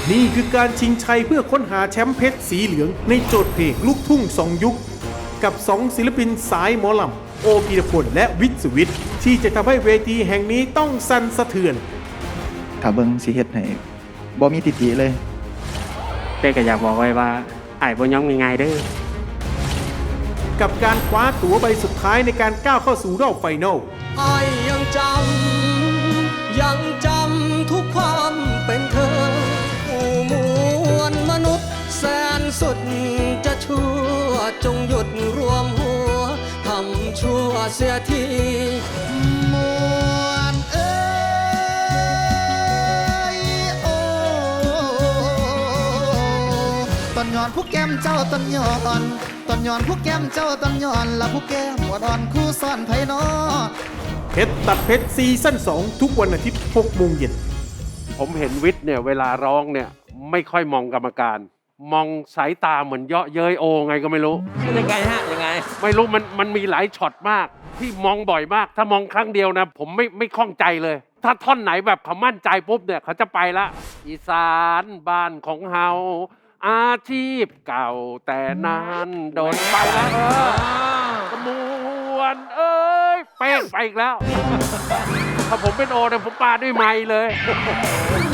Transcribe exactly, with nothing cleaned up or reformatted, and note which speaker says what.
Speaker 1: นี่คือการชิงชัยเพื่อค้นหาแชมป์เพชรสีเหลืองในโจทย์เพลงลูกทุ่งสองยุคกับสองศิลปินสายหมอลำโอปีรพลและวิทย์สุวิทย์ที่จะทำให้เวทีแห่งนี้ต้องสั่นสะเทือน
Speaker 2: ถ้าเบิ่งสิเฮ็ดให้บ่มีติติเลย
Speaker 3: เป้ก็อยากบอกไว้ว่าอ้ายบ่ยอมง่ายๆเด้อ
Speaker 1: กับการคว้าตั๋วใบสุดท้ายในการก้าวเข้าสู่รอบไฟนอล
Speaker 4: อ้ายยังจำยังจำทุกความเป็นเธอผู้มวลมนุษย์แสนสุดจะชั่วจงหยุดรวมหัวทำชั่วเสียทีมวลเอ้ยโอ้ตอนย้อนผู้แก้มเจ้าตอนย้อนตอนย้อนผู้แก้มเจ้าตอนย้อนและผู้แก้มหัวดอนคู่ซ่อนไผ่นอ
Speaker 1: เพชรตัดเพชรซีซั่นสองทุกวันอาทิตย์หกโมงเย็น
Speaker 5: ผมเห็นวิทย์เนี่ยเวลาร้องเนี่ยไม่ค่อยมองกรรมการมองสายตาเหมือนเยาะเย้ยโอไงก็ไม่รู้
Speaker 4: ยังไงฮะยังไง
Speaker 5: ไม่รู้มันมันมีหลายช็อตมากที่มองบ่อยมากถ้ามองครั้งเดียวนะผมไม่ไม่คล่องใจเลยถ้าท่อนไหนแบบเขามั่นใจปุ๊บเนี่ยเขาจะไปละอีสานบ้านของเฮาอาชีพเก่าแต่นานโดนไปแล้วเออกระมวลเอ้ยเป้งไปอีกแล้วถ้าผมเป็นโอเนี่ยผมปาด้วยไม้เลย